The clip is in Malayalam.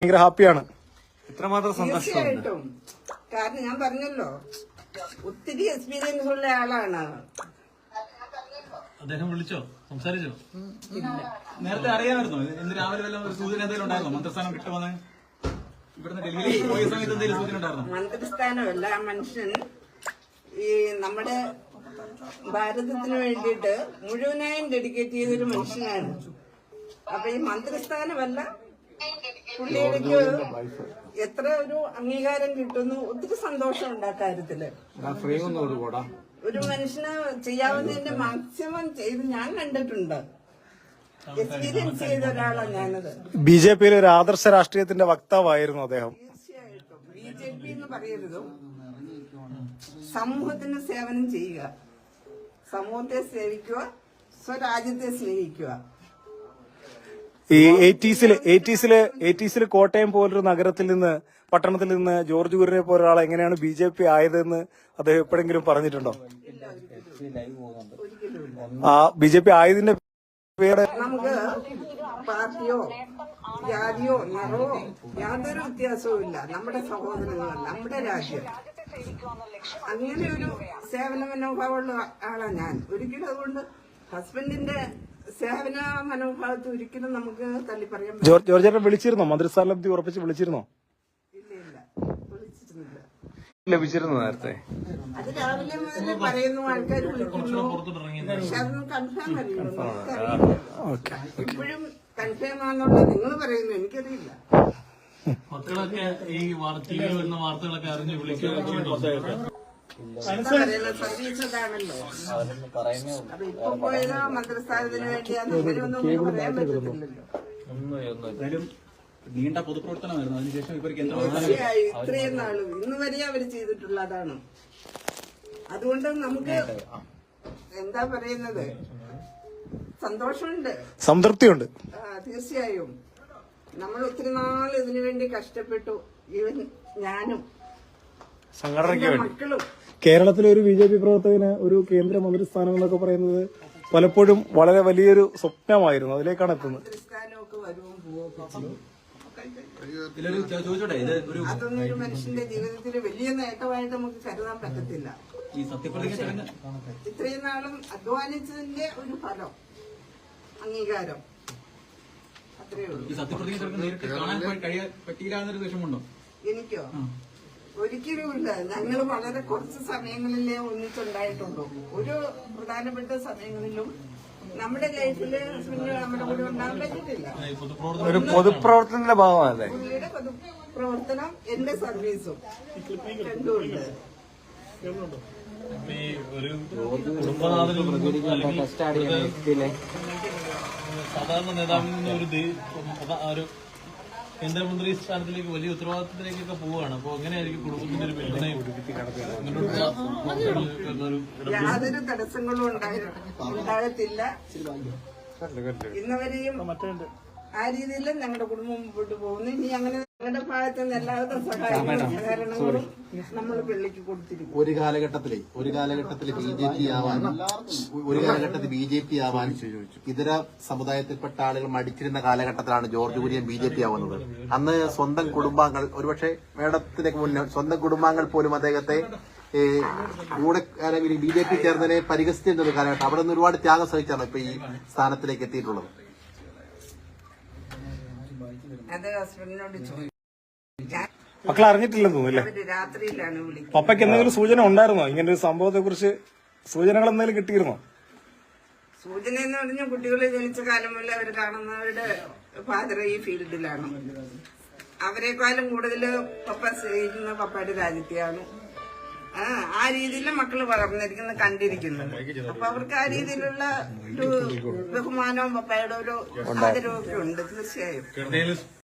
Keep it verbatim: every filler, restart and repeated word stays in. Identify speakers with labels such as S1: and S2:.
S1: ഭയങ്കര ഹാപ്പിയാണ്.
S2: ഇത്രമാത്രം സന്തോഷം.
S3: കാരണം ഞാൻ പറഞ്ഞല്ലോ ഒത്തിരി എക്സ്പീരിയൻസ് ഉള്ള ആളാണ്.
S2: അദ്ദേഹം വിളിച്ചോ, സംസാരിച്ചോ? നേരത്തെ അറിയാമായിരുന്നോ? ഇന്ന് രാവിലെ വല്ല സൂചന എന്തെങ്കിലും ഉണ്ടായിരുന്നോ? മന്ത്രിസ്ഥാനം കിട്ടുമെന്ന് ഇവിടുന്ന് ഡൽഹിയിലേക്ക് പോയ സമയത്ത് എന്തെങ്കിലും സൂചന ഉണ്ടായിരുന്നോ?
S3: മന്ത്രിസ്ഥാനമല്ല, ആ മനുഷ്യൻ ഈ നമ്മുടെ ഭാരതത്തിന് വേണ്ടിയിട്ട് മുഴുവനായും ഡെഡിക്കേറ്റ് ചെയ്തൊരു മനുഷ്യനാണ്. അപ്പൊ ഈ മന്ത്രിസ്ഥാനമല്ല, പുള്ളിയിലേക്ക് എത്ര ഒരു അംഗീകാരം കിട്ടുന്നു. ഒത്തിരി സന്തോഷമുണ്ട് ആ കാര്യത്തില്. ഒരു മനുഷ്യന് ചെയ്യാവുന്നതിന്റെ മാക്സിമം ചെയ്ത് ഞാൻ കണ്ടിട്ടുണ്ട്. എക്സ്പീരിയൻസ് ചെയ്ത ഒരാളാണ് ഞാനത്.
S1: ബി ജെ പിയിലെ ഒരു ആദർശ രാഷ്ട്രീയത്തിന്റെ വക്താവായിരുന്നു അദ്ദേഹം.
S3: തീർച്ചയായിട്ടും ബി ജെ പി എന്ന് പറയരുതും, സമൂഹത്തിന് സേവനം ചെയ്യുക, സമൂഹത്തെ സേവിക്കുക, സ്വരാജ്യത്തെ സ്നേഹിക്കുക.
S1: ഈ എയ്റ്റീസില് എയ്റ്റീസില് എയ്റ്റീസില് കോട്ടയം പോലൊരു നഗരത്തിൽ നിന്ന്, പട്ടണത്തിൽ നിന്ന് ജോർജ് കുര്യനെ പോലെ ഒരാൾ എങ്ങനെയാണ് ബി ജെ പി ആയതെന്ന് അദ്ദേഹം എപ്പോഴെങ്കിലും പറഞ്ഞിട്ടുണ്ടോ? ആ ബി ജെ പി ആയതിന്റെ പേര്
S3: നമുക്ക് പാർട്ടിയോ ജാതിയോ നിറവോ യാതൊരു വ്യത്യാസവും ഇല്ല. നമ്മുടെ സഹോദരങ്ങൾ, നമ്മുടെ രാജ്യം, അങ്ങനെ ഒരു സേവന മനോഭാവമുള്ള ആളാണ് ഞാൻ. ഒരിക്കലും അതുകൊണ്ട് ഹസ്ബൻഡിന്റെ സേവന മനോഭാവത്തെ ഒരിക്കലും നമുക്ക് തള്ളി പറയാൻ പറ്റില്ല.
S1: ജോർജ് ചേട്ടൻ വിളിച്ചിരുന്നോ? മന്ത്രിസ്ഥാനലബ്ധി ഉറപ്പിച്ച് വിളിച്ചിരുന്നോ?
S3: ഇല്ല ഇല്ല വിളിച്ചിരുന്നില്ല.
S1: ലഭിച്ചിരുന്നു നേരത്തെ.
S3: അത് രാവിലെ മുതൽ പറയുന്നു, ആൾക്കാർ വിളിക്കുന്നു, പക്ഷെ അതൊന്നും കൺഫേം അറിയുള്ളൂ. ഇപ്പോഴും കൺഫേം ആണെന്നുള്ള നിങ്ങൾ പറയുന്നു, എനിക്കറിയില്ല.
S2: മക്കളൊക്കെ ഈ ടിവിയിൽ വരുന്ന വാർത്തകളൊക്കെ അറിഞ്ഞ് വിളിക്കുക.
S3: സർവീസ് ഇതാണല്ലോ. അപ്പൊ ഇപ്പൊ പോയത് മന്ത്രിസ്ഥാനത്തിന് വേണ്ടിയാന്ന് ഇവരൊന്നും പറയാൻ പറ്റത്തില്ലല്ലോ.
S2: നീണ്ട പൊതുപ്രവർത്തനമായിരുന്നു. അതിനുശേഷം ഇവർക്ക്
S3: തീർച്ചയായും ഇത്രയും നാളും ഇന്ന് വരെ അവർ ചെയ്തിട്ടുള്ളതാണ്. അതുകൊണ്ട് നമുക്ക് എന്താ പറയുന്നത്, സന്തോഷമുണ്ട്,
S1: സംതൃപ്തിയുണ്ട്.
S3: തീർച്ചയായും. നമ്മൾ ഒത്തിരി നാൾ ഇതിനു വേണ്ടി കഷ്ടപ്പെട്ടു. ഈവൻ ഞാനും
S1: സംഘടനയ്ക്ക് വേണ്ടി.
S3: മക്കളും.
S1: കേരളത്തിലെ ഒരു ബി ജെ പി പ്രവർത്തകന് ഒരു കേന്ദ്ര മന്ത്രിസ്ഥാനം എന്നൊക്കെ പറയുന്നത് പലപ്പോഴും വളരെ വലിയൊരു സ്വപ്നമായിരുന്നു. അതിലേക്കാണ് എത്തുന്നത്.
S3: മന്ത്രിസ്ഥാനമൊക്കെ വരുവും പോവുകയും
S2: ചോദിച്ചോട്ടെ, ഇത് ഒരു
S3: അതൊന്നും ഒരു മനുഷ്യന്റെ ജീവിതത്തിൽ വലിയ നേട്ടമായിട്ട് നമുക്ക് കരുതാൻ പറ്റത്തില്ല.
S2: ഈ സത്യപ്രതിജ്ഞ
S3: ഇത്രയും നാളും അധ്വാനിച്ചതിന്റെ ഒരു ഫലം, അംഗീകാരം, അത്രയേ ഉള്ളൂ.
S2: ഈ സത്യപ്രതിജ്ഞ നേരിട്ട് കാണാൻ കഴിയാൻ പറ്റിയില്ല എന്നൊരു വിഷമമുണ്ടോ?
S3: എനിക്കോ? ഒരിക്കലുമില്ല. ഞങ്ങൾ വളരെ കുറച്ച് സമയങ്ങളിലേ ഒന്നിച്ചുണ്ടായിട്ടുള്ളൂ. ഒരു പ്രധാനപ്പെട്ട സമയങ്ങളിലും നമ്മുടെ ലൈഫില് നമ്മുടെ കൂടെ ഉണ്ടാകാൻ പറ്റിയിട്ടില്ല.
S1: ഒരു പൊതുപ്രവർത്തനത്തിന്റെ ഭാഗമല്ലേ
S3: പുള്ളിയുടെ പൊതുപ്രവർത്തനം, എന്റെ സർവീസും രണ്ടുമുണ്ട്.
S2: ഒരു കുടുംബനാഥനും സാധാരണ നേതാവിൽ നിന്ന് ഒരു കേന്ദ്രമന്ത്രി സ്ഥാനത്തിലേക്ക് വലിയ ഉത്തരവാദിത്തത്തിലേക്കൊക്കെ പോവുകയാണ്. അപ്പൊ എങ്ങനെയായിരിക്കും കുടുംബത്തിന്റെ ഒരു പിന്തുണയും?
S3: യാതൊരു തടസ്സങ്ങളും ഉണ്ടാകത്തില്ല. ഇന്നുവരെയും ആ രീതിയിലും ഞങ്ങളുടെ കുടുംബം മുമ്പോട്ട് പോകുന്നു. ഇനി അങ്ങനെ ഞങ്ങളുടെ ഭാഗത്ത് നിന്ന് എല്ലാവിധ സഹായങ്ങളും സഹകരണങ്ങളും നമ്മൾ പള്ളിക്ക് കൊടുത്തിരിക്കും.
S4: ഒരു കാലഘട്ടത്തിലെ ഒരു കാലഘട്ടത്തിൽ ബി ജെ പി ആവാൻ ഒരു കാലഘട്ടത്തിൽ ബി ജെ പി ആവാൻ ഇതര സമുദായത്തിൽപ്പെട്ട ആളുകൾ മടിച്ചിരുന്ന കാലഘട്ടത്തിലാണ് George Kurian B J P ആവുന്നത്. അന്ന് സ്വന്തം കുടുംബാംഗങ്ങൾ, ഒരുപക്ഷെ മേഡത്തിലേക്ക് മുന്നേ സ്വന്തം കുടുംബാംഗങ്ങൾ പോലും അദ്ദേഹത്തെ കൂടെ അല്ലെങ്കിൽ ബി ജെ പി ചേർന്നതിനെ പരിഹസിച്ചിരുന്ന ഒരു കാലഘട്ടം. അവിടെ നിന്ന് ഒരുപാട് ത്യാഗം സഹിച്ചാണ് ഇപ്പൊ ഈ സ്ഥാനത്തിലേക്ക് എത്തിയിട്ടുള്ളത്.
S3: അത് ഹസ്ബൻഡിനോട് ചോദിച്ചു.
S1: മക്കൾ അറിഞ്ഞിട്ടില്ലെന്ന് തോന്നുന്നില്ലേ?
S3: രാത്രിയിലാണ് വിളിക്കുന്നത്.
S1: പപ്പയ്ക്ക് എന്തെങ്കിലും സൂചന ഉണ്ടായിരുന്നോ? ഇങ്ങനെ ഒരു സംഭവത്തെ കുറിച്ച് സൂചനകൾ എന്തെങ്കിലും കിട്ടിയിരുന്നോ?
S3: സൂചന എന്ന് പറഞ്ഞാൽ കുട്ടികളെ ജനിച്ച കാലം മുതലേ അവർ കാണുന്നവരുടെ ഫാദർ ഈ ഫീൽഡിലാണ്. അവരെക്കാളും കൂടുതൽ പപ്പ സ്നേഹിക്കുന്ന പപ്പയുടെ രാജ്യത്തെയാണ്. ആ ആ രീതിയിൽ മക്കള് വളർന്നിരിക്കുന്നത് കണ്ടിരിക്കുന്നത്. അപ്പൊ അവർക്ക് ആ രീതിയിലുള്ള ഒരു ബഹുമാനവും പപ്പയുടെ ഒരു ആദരവും ഒക്കെ ഉണ്ട്. തീർച്ചയായും